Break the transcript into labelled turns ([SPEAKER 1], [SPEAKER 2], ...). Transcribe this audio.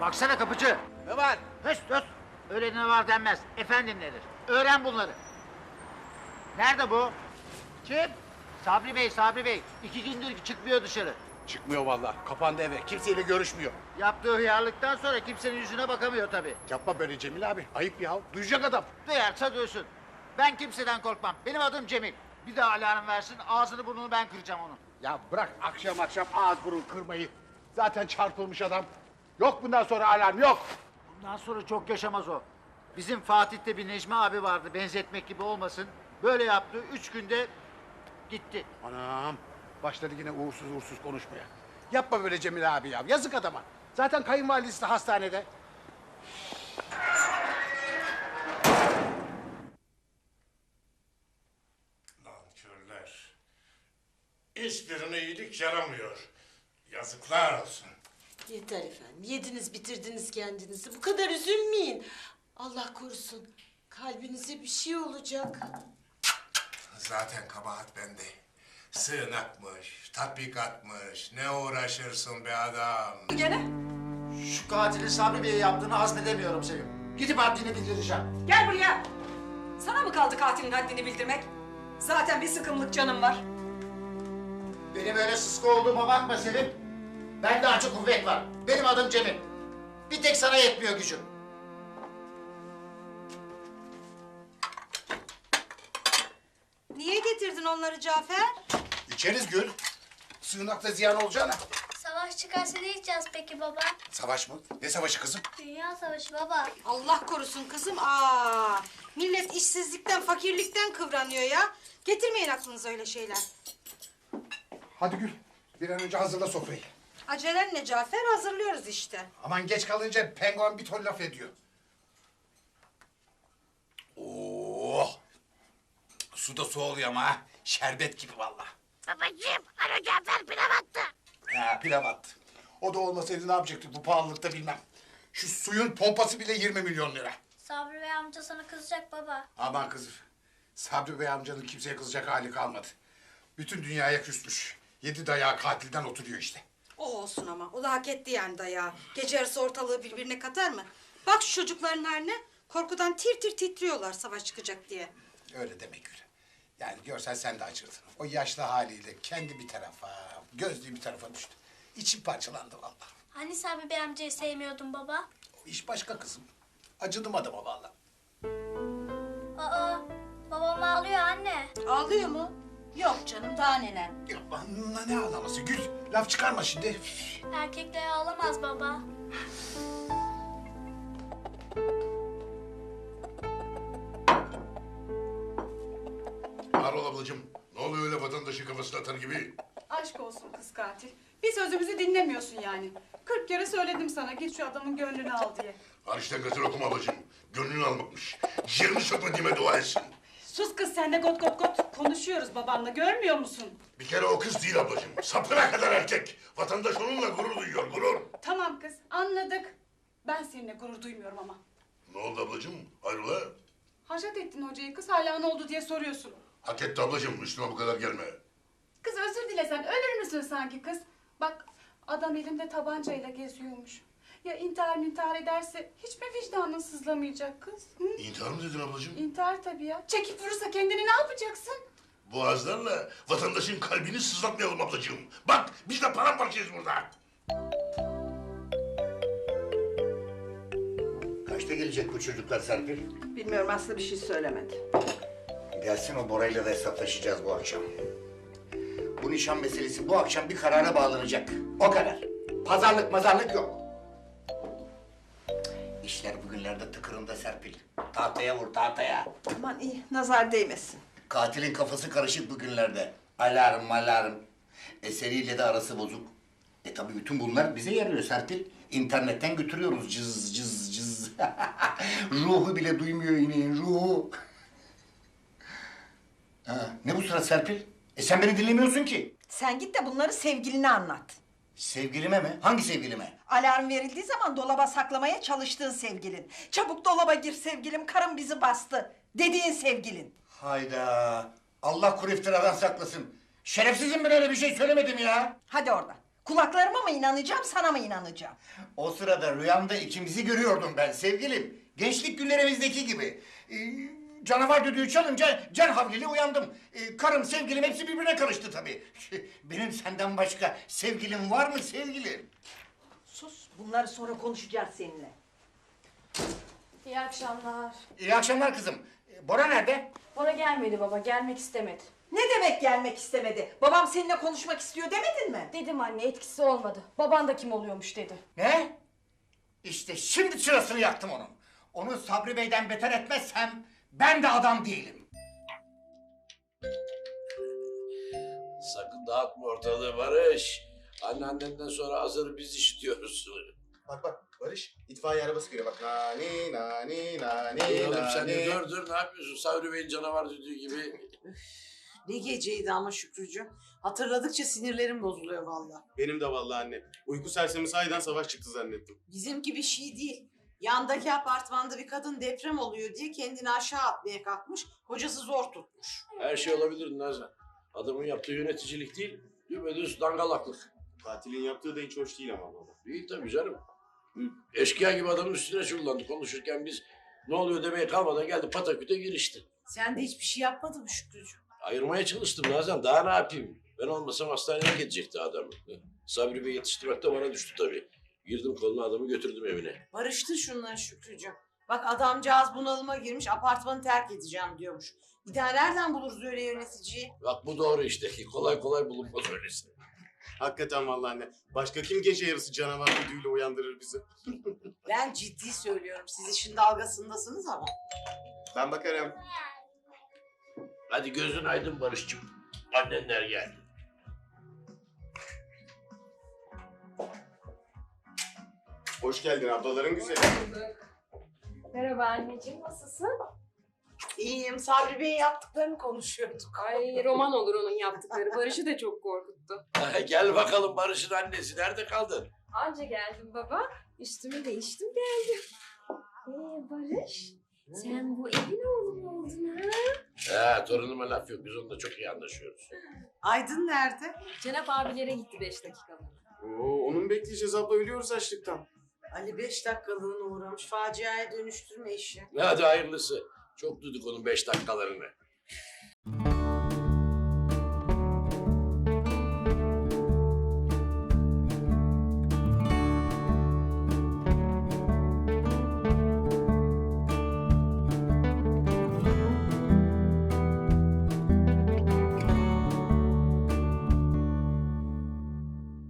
[SPEAKER 1] Baksana kapıcı.
[SPEAKER 2] Ne var?
[SPEAKER 1] Höst höst. Öyle ne var denmez. Efendim nedir? Öğren bunları. Nerede bu?
[SPEAKER 2] Kim?
[SPEAKER 1] Sabri Bey, Sabri Bey. 2 gündür çıkmıyor dışarı.
[SPEAKER 2] Çıkmıyor vallahi. Kapandı eve. Kimseyle görüşmüyor.
[SPEAKER 1] Yaptığı hıyarlıktan sonra kimsenin yüzüne bakamıyor tabii.
[SPEAKER 2] Yapma böyle Cemil abi. Ayıp ya. Duyacak adam.
[SPEAKER 1] Duyarsa duysun. Ben kimseden korkmam. Benim adım Cemil. Bir daha alarm versin, ağzını burnunu ben kıracağım onun.
[SPEAKER 2] Ya bırak akşam akşam ağız burun kırmayı. Zaten çarpılmış adam. Yok bundan sonra alarm yok.
[SPEAKER 1] Bundan sonra çok yaşamaz o. Bizim Fatih'te bir Necmi abi vardı, benzetmek gibi olmasın. Böyle yaptı, 3 günde gitti.
[SPEAKER 2] Anam. Başladı yine uğursuz uğursuz konuşmaya. Yapma böyle Cemil abi ya. Yazık adama. Zaten kayınvalidesi de hastanede.
[SPEAKER 3] Nankörler. Hiçbirine iyilik yaramıyor. Yazıklar olsun.
[SPEAKER 4] Yeter efendim. Yediniz bitirdiniz kendinizi. Bu kadar üzülmeyin. Allah korusun. Kalbinize bir şey olacak.
[SPEAKER 3] Zaten kabahat bende. Sığınakmış, tatbikatmış. Ne uğraşırsın be adam?
[SPEAKER 5] Gene?
[SPEAKER 1] Şu katilin Sabri Bey'e yaptığını hazmedemiyorum Sevim. Gidip haddini bildireceğim.
[SPEAKER 5] Gel buraya. Sana mı kaldı katilin haddini bildirmek? Zaten bir sıkımlık canım var.
[SPEAKER 1] Benim öyle sıska olduğuma bakma Sevim. Bende acı kuvvet var. Benim adım Cemil. Bir tek sana yetmiyor gücüm.
[SPEAKER 6] Niye getirdin onları Cafer?
[SPEAKER 2] İçeriz Gül. Sığınakta ziyan olacağına.
[SPEAKER 7] Savaş çıkarsa ne içeceğiz peki baba?
[SPEAKER 2] Savaş mı? Ne savaşı kızım?
[SPEAKER 7] Dünya savaşı baba.
[SPEAKER 6] Allah korusun kızım. Millet işsizlikten, fakirlikten kıvranıyor ya. Getirmeyin aklınıza öyle şeyler.
[SPEAKER 2] Hadi Gül. Bir an önce hazırla sofrayı.
[SPEAKER 6] Acelen ne Cafer? Hazırlıyoruz işte.
[SPEAKER 2] Aman geç kalınca penguen bir ton laf ediyor. Oh! Su da soğuluyor ama ha. Şerbet gibi vallahi.
[SPEAKER 7] Babacığım, Alo Cafer pilav attı.
[SPEAKER 2] Ha pilav attı. O da olmasaydı ne yapacaktık bu pahalılıkta bilmem. Şu suyun pompası bile 20 milyon lira.
[SPEAKER 7] Sabri Bey amca sana kızacak baba.
[SPEAKER 2] Aman kızım. Sabri Bey amcanın kimseye kızacak hali kalmadı. Bütün dünyaya küsmüş. 7 dayağı katilden oturuyor işte.
[SPEAKER 6] O olsun ama. O da hak etti yani dayağı. Gece yarısı ortalığı birbirine katar mı? Bak şu çocukların haline. Korkudan tir tir titriyorlar savaş çıkacak diye.
[SPEAKER 2] Öyle demek Gül. Yani görsen sen de acırdın. O yaşlı haliyle kendi bir tarafa, gözlüğü bir tarafa düştü. İçim parçalandı vallahi.
[SPEAKER 7] Hani Sabri Bey amcayı sevmiyordun baba?
[SPEAKER 2] O iş başka kızım. Acıdım adama vallahi.
[SPEAKER 7] Aa, babam ağlıyor anne.
[SPEAKER 6] Ağlıyor mu? Yok canım daha neler.
[SPEAKER 2] Ya bana ne ağlaması Gül? Laf çıkarma şimdi.
[SPEAKER 7] Erkekler ağlamaz baba.
[SPEAKER 3] Harol ablacığım, ne oluyor öyle vatandaşın kafasına atar gibi?
[SPEAKER 5] Aşk olsun kız katil. Bir sözümüzü dinlemiyorsun yani. 40 kere söyledim sana git şu adamın gönlünü al diye.
[SPEAKER 3] Hariçten gazel okuma ablacığım. Gönlünü almakmış. Ciğerini sökmediğime dua etsin.
[SPEAKER 5] Sus kız sen de got got got. Konuşuyoruz babanla görmüyor musun?
[SPEAKER 3] Bir kere o kız değil ablacığım. Sapına kadar erkek. Vatandaş onunla gurur duyuyor, gurur.
[SPEAKER 5] Tamam kız anladık. Ben seninle gurur duymuyorum ama.
[SPEAKER 3] Ne oldu ablacığım? Hayrola?
[SPEAKER 5] Haşat ettin hocayı kız hala ne oldu diye soruyorsun.
[SPEAKER 3] Hak etti ablacığım. Üstüme bu kadar gelme.
[SPEAKER 5] Kız özür dilesen ölür müsün sanki kız? Bak adam elinde tabancayla geziyormuş. Ya intihar ederse hiç mi vicdanın sızlamayacak kız? Hı?
[SPEAKER 3] İntihar mı dedin ablacığım?
[SPEAKER 5] İntihar tabii ya. Çekip vurursa kendini ne yapacaksın?
[SPEAKER 3] Boğazlarla vatandaşın kalbini sızlatmayalım ablacığım. Bak biz de paramparçayız burada.
[SPEAKER 8] Kaçta gelecek bu çocuklar Serpil?
[SPEAKER 9] Bilmiyorum Aslı bir şey söylemedi.
[SPEAKER 8] Gelsin o Bora'yla da hesaplaşacağız bu akşam. Bu nişan meselesi bu akşam bir karara bağlanacak. O kadar. Pazarlık mazarlık yok. İşler bugünlerde tıkırında Serpil. Tahtaya vur tahtaya.
[SPEAKER 9] Aman iyi nazar değmesin.
[SPEAKER 8] Katilin kafası karışık bugünlerde. Alarm alarm. Eseriyle de arası bozuk. Tabii bütün bunlar bize yarıyor Serpil. İnternetten götürüyoruz cız cız cız. Ruhu bile duymuyor ineğin ruhu. Ha, ne bu surat Serpil? Sen beni dinlemiyorsun ki.
[SPEAKER 9] Sen git de bunları sevgiline anlat.
[SPEAKER 8] Sevgilime mi? Hangi sevgilime?
[SPEAKER 9] Alarm verildiği zaman dolaba saklamaya çalıştığın sevgilin. Çabuk dolaba gir sevgilim, karım bizi bastı dediğin sevgilin.
[SPEAKER 8] Hayda. Allah kuru iftiradan saklasın. Şerefsizim ben öyle bir şey söylemedim ya.
[SPEAKER 9] Hadi oradan. Kulaklarıma mı inanacağım, sana mı inanacağım?
[SPEAKER 8] O sırada rüyamda ikimizi görüyordum ben sevgilim. Gençlik günlerimizdeki gibi. Canavar düdüğü çalınca can havliyle uyandım. Karım, sevgilim hepsi birbirine karıştı tabii. Benim senden başka sevgilim var mı sevgilim?
[SPEAKER 9] Sus, bunları sonra konuşacağız seninle.
[SPEAKER 10] İyi akşamlar.
[SPEAKER 8] İyi akşamlar kızım. Bora nerede?
[SPEAKER 10] Bora gelmedi baba, gelmek istemedi.
[SPEAKER 9] Ne demek gelmek istemedi? Babam seninle konuşmak istiyor demedin mi?
[SPEAKER 10] Dedim anne, etkisi olmadı. Baban da kim oluyormuş dedi.
[SPEAKER 8] Ne? İşte şimdi çırasını yaktım onun. Onu Sabri Bey'den beter etmezsem ben de adam değilim.
[SPEAKER 11] Sakın dağıtma ortalığı Barış. Anneannenden sonra hazır biz işitiyoruz.
[SPEAKER 12] Bak bak Barış, itfaiye arabası geliyor bak. Nani nani nani
[SPEAKER 11] Dur oğlum sen de
[SPEAKER 12] nani.
[SPEAKER 11] dur ne yapıyorsun? Sabri Bey'in canavar düdüğü gibi.
[SPEAKER 4] Ne geceydi ama Şükrücüğüm. Hatırladıkça sinirlerim bozuluyor vallahi.
[SPEAKER 12] Benim de vallahi anne. Uyku sersemi sahiden savaş çıktı zannettim.
[SPEAKER 4] Bizimki bir şey değil. Yandaki apartmanda bir kadın deprem oluyor diye kendini aşağı atmaya kalkmış. Kocası zor tutmuş.
[SPEAKER 11] Her şey olabilir Nazan. Adamın yaptığı yöneticilik değil, düpedüz dangalaklık.
[SPEAKER 12] Katilin yaptığı da hiç hoş değil ama baba.
[SPEAKER 11] Değil tabii canım. Eşkıya gibi adamın üstüne çullandı. Konuşurken biz ne oluyor demeye kalmadan geldi pataküte girişti.
[SPEAKER 4] Sen de hiçbir şey yapmadın mı Şükrücüğüm?
[SPEAKER 11] Ayırmaya çalıştım Nazan. Daha ne yapayım? Ben olmasam hastaneye gidecekti adam. Sabri Bey yetiştirmek de bana düştü tabii. Girdim koluna adamı götürdüm evine.
[SPEAKER 4] Barıştır şunları Şükrücüğüm. Bak adamcağız bunalıma girmiş, apartmanı terk edeceğim diyormuş. Bir daha nereden buluruz öyle yöneticiyi?
[SPEAKER 11] Bak bu doğru işte. Kolay kolay bulunmaz öylesi.
[SPEAKER 12] Hakikaten vallahi anne. Başka kim gece yarısı canavar düdüğüyle uyandırır bizi?
[SPEAKER 4] Ben ciddi söylüyorum. Siz işin dalgasındasınız ama.
[SPEAKER 12] Ben bakarım.
[SPEAKER 11] Hadi gözün aydın Barış'cığım. Annenler geldi.
[SPEAKER 12] Hoş geldin ablaların güzeli.
[SPEAKER 10] Merhaba anneciğim, nasılsın?
[SPEAKER 4] İyiyim. Sabri Bey'in yaptıklarını konuşuyorduk.
[SPEAKER 10] Ay roman olur onun yaptıkları. Barış'ı da çok korkuttu.
[SPEAKER 11] Gel bakalım Barış'ın annesi. Nerede kaldın?
[SPEAKER 10] Anca geldim baba. Üstümü değiştim geldim. Barış, sen bu evin oğlu mu oldun ha?
[SPEAKER 11] Torunuma laf yok. Biz onunla çok iyi anlaşıyoruz.
[SPEAKER 4] Aydın nerede?
[SPEAKER 10] Cenap abilere gitti 5 dakikalığına.
[SPEAKER 12] Oo, onun bekleyeceğiz abla, ölüyoruz açlıktan.
[SPEAKER 4] Ali 5 dakikalığına uğramış. Faciaya dönüştürme işi.
[SPEAKER 11] Hadi hayırlısı. Çok duyduk onun 5 dakikalarını.